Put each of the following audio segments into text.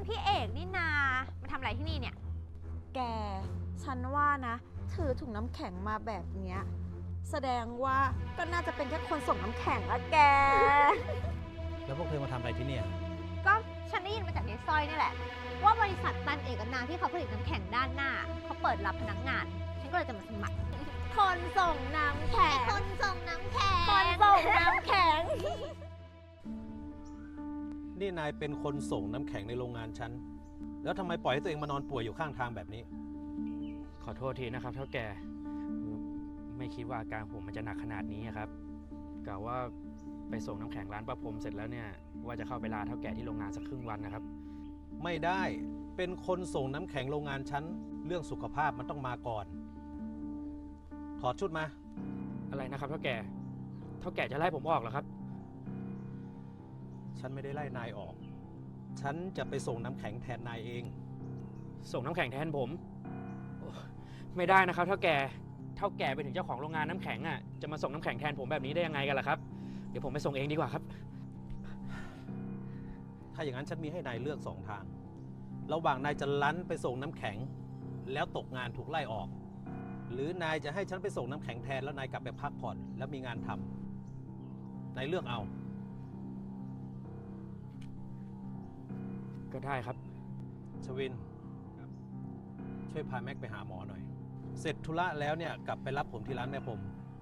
พี่เอกนี่นามาทำอะไรที่นี่เนี่ยแก ฉันว่านะ ถือถุงน้ำแข็งมาแบบเนี้ยแสดงว่าก็น่าจะเป็นแค่คนส่งน้ำแข็งละแกแล้วพวกเธอมาทำอะไรที่เนี่ยก็ฉันได้ยินมาจากยายสร้อยนี่แหละ ว่าบริษัทตันเอกนาที่เขาผลิตน้ำแข็งด้านหน้าเขาเปิดรับพนักงาน ฉันก็เลยจะมาสมัครคนส่งน้ำแข็งคนส่งน้ำแข็งคนส่งน้ำแข็งนี่นายเป็นคนส่งน้ำแข็งในโรงงานฉัน แล้วทำไมปล่อยให้ตัวเองมานอนป่วยอยู่ข้างทางแบบนี้ขอโทษทีนะครับเท่าแก่ไม่คิดว่าอาการผมมันจะหนักขนาดนี้ครับกะว่าไปส่งน้ำแข็งร้านประพรมเสร็จแล้วเนี่ยว่าจะเข้าไปลาเท่าแก่ที่โรงงานสักครึ่งวันนะครับไม่ได้ เป็นคนส่งน้ำแข็งโรงงานฉัน เรื่องสุขภาพมันต้องมาก่อน ถอดชุดมาอะไรนะครับเท่าแก่จะไล่ผมออกเหรอครับฉันไม่ได้ไล่นายออก ฉันจะไปส่งน้ำแข็งแทนนายเองส่งน้ำแข็งแทนผมโอ้ไม่ได้นะครับเท่าแก่ไปถึงเจ้าของโรงงานน้ำแข็งอ่ะจะมาส่งน้ำแข็งแทนผมแบบนี้ได้ยังไงกันล่ะครับเดี๋ยวผมไปส่งเองดีกว่าครับถ้าอย่างนั้นฉันมีให้นายเลือกสองทาง ระหว่างนายจะลั้นไปส่งน้ำแข็ง แล้วตกงานถูกไล่ออก หรือนายจะให้ฉันไปส่งน้ำแข็งแทนแล้วนายกลับไปพักผ่อนแล้วมีงานทำนายเลือกเอาก็ได้ครับชวิน ช่วยพาแม็กไปหาหมอหน่อย เสร็จธุระแล้วเนี่ยกลับไปรับผมที่ร้านแม่ผม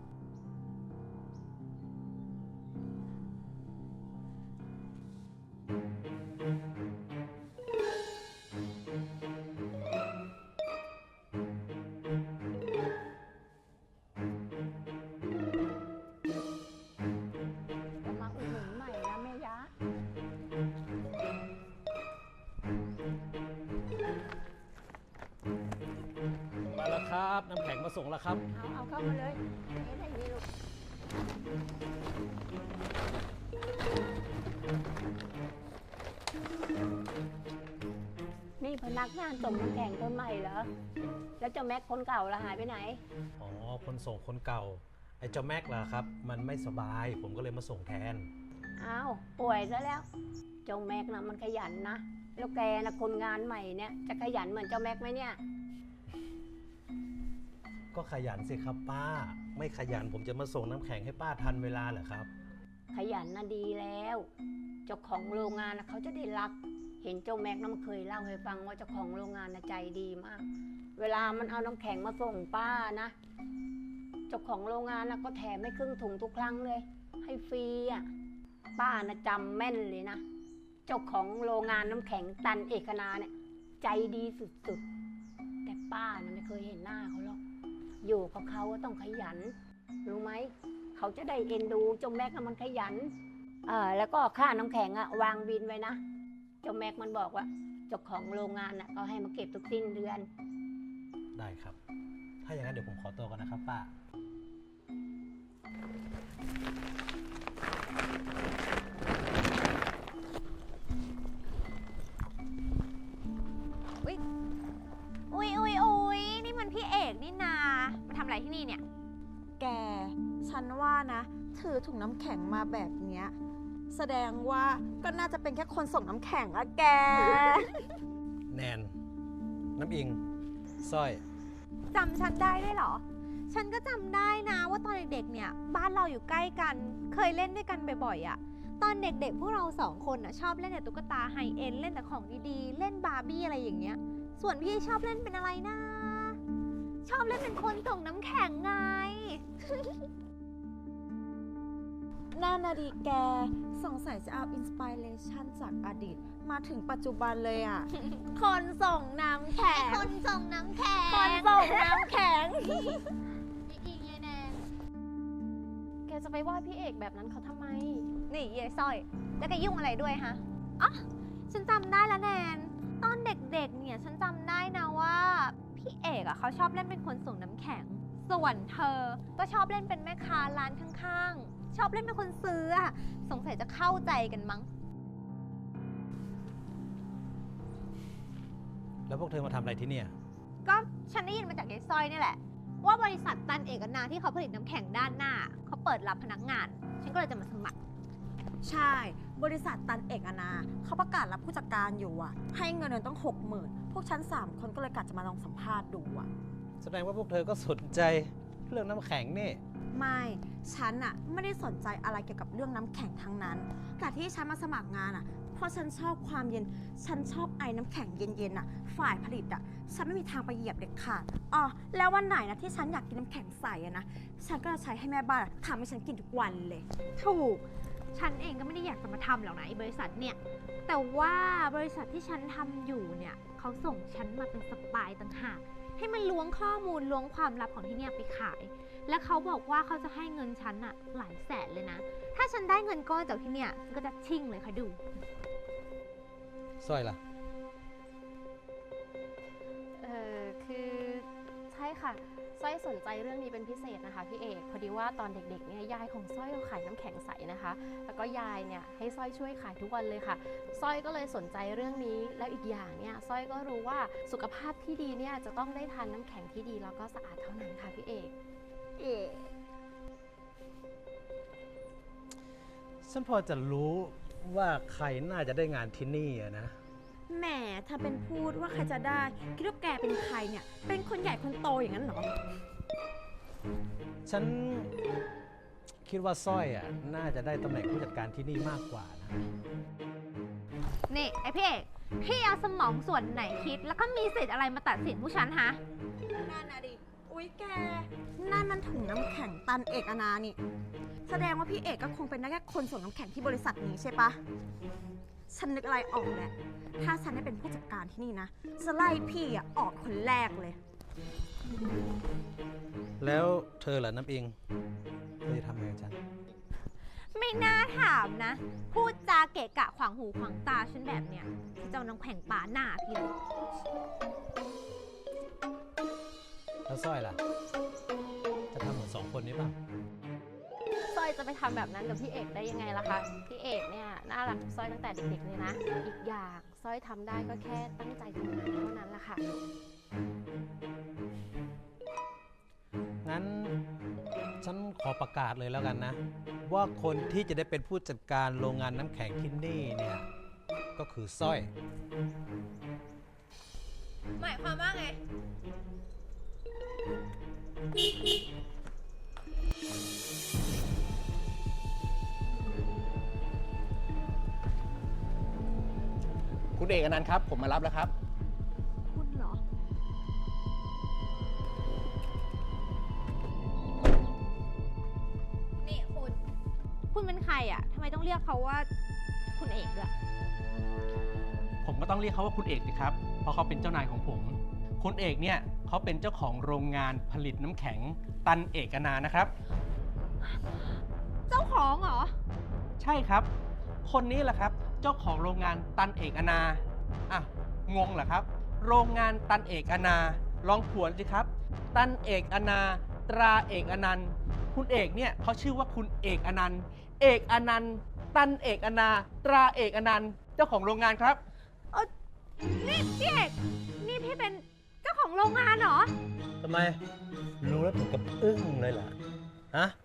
จะมาอุดหนุนใหม่นะแม่ยะมาแล้วครับน้ำแข็งมาส่งแล้วครับเอาเข้ามาเลยไม่ได้มีลูกนี่พนักงานส่งน้ำแข็งคนใหม่เหรอ แล้วเจ้าแม็กคนเก่าละหายไปไหนอ๋อ คนส่งคนเก่า ไอ้เจ้าแม็กล่ะครับ มันไม่สบาย ผมก็เลยมาส่งแทนอ้าวป่วยซะแล้ว เจ้าแม็กนะมันขยันนะ แล้วแกนะคนงานใหม่เนี่ยจะขยันเหมือนเจ้าแม็กไหมเนี่ยก็ขยันสิครับป้า ไม่ขยันผมจะมาส่งน้ำแข็งให้ป้าทันเวลาเหรอครับขยันนะดีแล้ว เจ้าของโรงงานนะเขาจะได้รัก เห็นเจ้าแม็กนะมันเคยเล่าให้ฟังว่าเจ้าของโรงงานนะใจดีมาก เวลามันเอาน้ำแข็งมาส่งป้านะ เจ้าของโรงงานนะก็แถมให้ครึ่งถุงทุกครั้งเลย ให้ฟรีอ่ะ ป้านะจำแม่นเลยนะ เจ้าของโรงงานน้ำแข็งตันเอกนาเนี่ยใจดีสุดๆ แต่ป้านะไม่เคยเห็นหน้าเขาหรอก อยู่กับเขาก็ต้องขยัน รู้ไหม เขาจะได้เอ็นดูเจ้าแม็กนะมันขยัน แล้วก็ค่าน้ำแข็งอะวางบินไว้นะ เจ้าแม็กมันบอกว่าเจ้าของโรงงานอะก็ให้มาเก็บทุกสิ้นเดือนได้ครับ ถ้าอย่างนั้นเดี๋ยวผมขอตัวก่อนนะครับป้าอุ๊ยนี่มันพี่เอกนี่นามาทำอะไรที่นี่เนี่ยแก ฉันว่านะ ถือถุงน้ำแข็งมาแบบเนี้ยแสดงว่าก็น่าจะเป็นแค่คนส่งน้ำแข็งละแกแนน น้ำอิงสร้อยจำฉันได้ด้วยเหรอ ฉันก็จำได้นะว่าตอนเด็กๆ เนี่ยบ้านเราอยู่ใกล้กัน เคยเล่นด้วยกันบ่อยๆอะตอนเด็กๆ พวกเราสองคนอะชอบเล่นแต่ตุ๊กตาไฮเอ็นเล่นแต่ของดีๆ เล่นบาร์บี้อะไรอย่างเงี้ย ส่วนพี่ชอบเล่นเป็นอะไรนะ ชอบเล่นเป็นคนส่งน้ำแข็งไงน่านาดีแก สงสัยจะเอาอินสปิเรชันจากอดีต มาถึงปัจจุบันเลยอ่ะ คนส่งน้ำแข็งคนส่งน้ำแข็งคนส่งน้ำแข็งอีกยายแนนแกจะไปว่าพี่เอกแบบนั้นเขาทำไมนี่ยายสร้อย แล้วแกยุ่งอะไรด้วยฮะอ๋อฉันจำได้แล้วแนน ตอนเด็กๆ เนี่ยฉันจำได้นะว่าพี่เอกอะเขาชอบเล่นเป็นคนส่งน้ำแข็ง ส่วนเธอก็ชอบเล่นเป็นแม่ค้าร้านข้างๆ ชอบเล่นเป็นคนซื้ออะสงสัยจะเข้าใจกันมั้งแล้วพวกเธอมาทำอะไรที่เนี่ยก็ฉันได้ยินมาจากยายสร้อยนี่แหละ ว่าบริษัทตันเอกนาที่เขาผลิตน้ำแข็งด้านหน้าเขาเปิดรับพนักงาน ฉันก็เลยจะมาสมัครใช่ บบริษัทตันเอกอนาเขาประกาศรับผู้จัดการอยู่อะให้เงินเดือนต้อง60,000พวกฉัน3 คนก็เลยกะจะมาลองสัมภาษณ์ดูอะแสดงว่าพวกเธอก็สนใจเรื่องน้ำแข็งนี่ไม่ ฉันอะไม่ได้สนใจอะไรเกี่ยวกับเรื่องน้ำแข็งทั้งนั้นแต่ที่ฉันมาสมัครงานอะเพราะฉันชอบความเย็น ฉันชอบไอ้น้ำแข็งเย็นๆอะฝ่ายผลิตอะฉันไม่มีทางไปเหยียบเด็ดขาดอ๋อแล้ววันไหนนะที่ฉันอยากกินน้ำแข็งใสอะนะฉันก็จะใช้ให้แม่บ้านอะทำให้ฉันกินทุกวันเลยถูก ฉันเองก็ไม่ได้อยากจะมาทำหรอกนะไอ้บริษัทเนี่ย แต่ว่าบริษัทที่ฉันทำอยู่เนี่ยเขาส่งฉันมาเป็นสปายต่างหากให้มันล้วงข้อมูลล้วงความลับของที่เนี่ยไปขาย และเขาบอกว่าเขาจะให้เงินฉันอะหลายแสนเลยนะ ถ้าฉันได้เงินก้อนจากที่เนี่ยฉันก็จะชิ่งเลยค่ะดูสร้อยล่ะคือใช่ค่ะสร้อยสนใจเรื่องนี้เป็นพิเศษนะคะพี่เอกพอดีว่าตอนเด็กๆเนี่ยยายของสร้อยเขาขายน้ำแข็งใสนะคะ แล้วก็ยายเนี่ยให้สร้อยช่วยขายทุกวันเลยค่ะสร้อยก็เลยสนใจเรื่องนี้แล้วอีกอย่างเนี่ยสร้อยก็รู้ว่าสุขภาพที่ดีเนี่ยจะต้องได้ทานน้ำแข็งที่ดีแล้วก็สะอาดเท่านั้นค่ะพี่เอกฉันพอจะรู้ว่าใครน่าจะได้งานที่นี่อะนะแหมถ้าเป็นพูดว่าใครจะได้คิดว่าแกเป็นใครเนี่ยเป็นคนใหญ่คนโตอย่างนั้นเหรอฉันคิดว่าสร้อยอ่ะน่าจะได้ตำแหน่งผู้จัดการที่นี่มากกว่านะนี่ไอพี่เอกพี่เอาสมองส่วนไหนคิด แล้วก็มีสิทธิ์อะไรมาตัดสินผู้ฉันฮะนั่นนะดิ อุ๊ยแก นั่นมันถุงน้ำแข็งตันเอกอนานี่ แสดงว่าพี่เอกก็คงเป็นได้แค่คนส่งน้ำแข็งที่บริษัทนี้ใช่ปะ ฉันนึกอะไรออกแล้ว ถ้าฉันได้เป็นผู้จัดการที่นี่นะ จะไล่พี่อะออกคนแรกเลยแล้วเธอล่ะน้ำอิงเธอจะทำไงกับฉันไม่น่าถามนะ พูดจาเกะกะขวางหูขวางตาฉันแบบเนี้ยฉันจะเอาน้ำแข็งป่าหน้าพี่เลยแล้วสร้อยล่ะ จะทำเหมือน2 คนนี้ป่ะสร้อยจะไปทำแบบนั้นกับพี่เอกได้ยังไงล่ะคะพี่เอกเนี่ยน่ารักสร้อยตั้งแต่เด็กๆเลยนะอีกอย่างสร้อยทำได้ก็แค่ตั้งใจทำงานเท่านั้นแหละค่ะงั้นฉันขอประกาศเลยแล้วกันนะ ว่าคนที่จะได้เป็นผู้จัดการโรงงานน้ำแข็งที่นี่เนี่ยก็คือสร้อยหมายความว่าไงคุณเอกอนันต์ครับ ผมมารับแล้วครับคุณเหรอ นี่คุณเป็นใครอ่ะทำไมต้องเรียกเขาว่าคุณเอกด้วยผมก็ต้องเรียกเขาว่าคุณเอกสิครับ เพราะเขาเป็นเจ้านายของผม คุณเอกเนี่ยเขาเป็นเจ้าของโรงงานผลิตน้ำแข็งตันเอกนานะครับเจ้าของเหรอใช่ครับ คนนี้แหละครับ เจ้าของโรงงานตันเอกนาอ่ะงงเหรอครับ โรงงานตันเอกนา ลองผวนสิครับ ตันเอกนาตราเอกอนันต์คุณเอกเนี่ยเขาชื่อว่าคุณเอกอนันต์เอกอนันต์ตันเอกนาตราเอกอนันต์เจ้าของโรงงานครับนี่พี่เอก นี่พี่เป็นเจ้าของโรงงานเหรอทำไม รู้แล้วถึงกับอึ้งเลยเหรอ ฮะ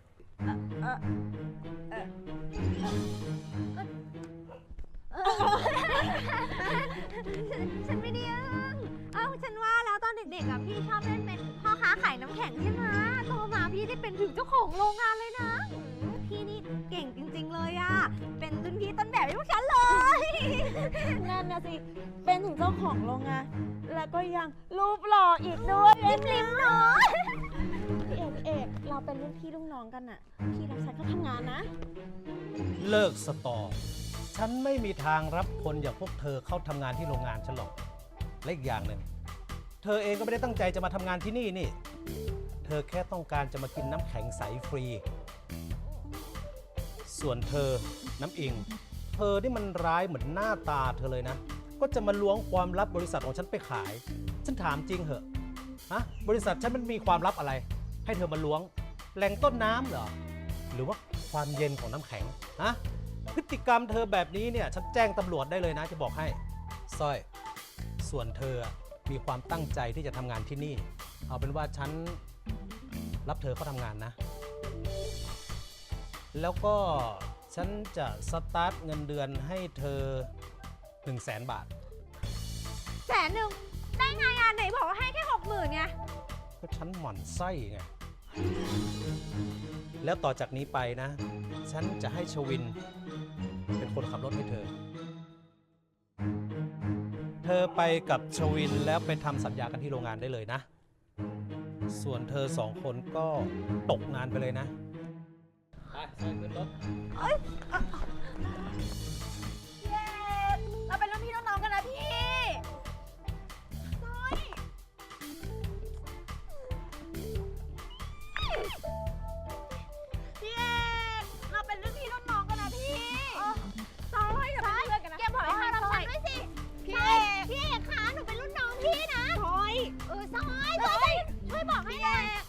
ฉันไม่ได้อึ้งฉันว่าแล้วตอนเด็กๆอ่ะพี่ชอบเล่นเป็นพ่อค้าขายน้ำแข็งใช่ไหมโตมาพี่ได้เป็นถึงเจ้าของโรงงานเลยนะพี่นี่เก่งจริงๆเลยอ่ะ เป็นรุ่นพี่ต้นแบบให้พวกฉันเลยนั่นนะสิ เป็นถึงเจ้าของโรงงาน แล้วก็ยังรูปหล่ออีกด้วยริมๆเนาะพี่เอก เราเป็นรุ่นพี่รุ่นน้องกันอะพี่รับฉันเข้าทำงานนะเลิกสตอ ฉันไม่มีทางรับคนอย่างพวกเธอเข้าทำงานที่โรงงานฉันหรอก และอีกอย่างหนึ่ง เธอเองก็ไม่ได้ตั้งใจจะมาทำงานที่นี่นี่ เธอแค่ต้องการจะมากินน้ำแข็งใสฟรี ส่วนเธอ น้ำอิง เธอนี่มันร้ายเหมือนหน้าตาเธอเลยนะ ก็จะมาล้วงความลับบริษัทของฉันไปขาย ฉันถามจริงเหอะ ฮะ บริษัทฉันมันมีความลับอะไร ให้เธอมาล้วง แหล่งต้นน้ำเหรอ หรือว่าความเย็นของน้ำแข็ง ฮะ พฤติกรรมเธอแบบนี้เนี่ย ฉันแจ้งตำรวจได้เลยนะ จะบอกให้สร้อย ส่วนเธอมีความตั้งใจที่จะทำงานที่นี่ เอาเป็นว่าฉันรับเธอเข้าทำงานนะ แล้วก็ฉันฉันจะสตาร์ทเงินเดือนให้เธอ 100,000 บาท 100,000ได้ไงอ่ะไหนบอกว่าให้แค่ 60,000ไงก็ฉันหมั่นไส้ไง แล้วต่อจากนี้ไปนะ ฉันจะให้ชวินเป็นคนขับรถให้เธอ เธอไปกับชวินแล้วไปทำสัญญากันที่โรงงานได้เลยนะ ส่วนเธอสองคนก็ตกงานไปเลยนะ ไปใส่ขึ้นรถเย้เราเป็นรุ่นพี่รุ่นน้องกันนะพี่น้อยพี่เอกเราเป็นรุ่นพี่รุ่นน้องกันนะพี่ซ้อยอย่าเป็นเพื่อนกันนะแกบอกให้มารับฉันด้วยสิพี่เอกพี่เอกคะหนูเป็นรุ่นน้องพี่นะซอยซอยช่วยบอกให้หน่อย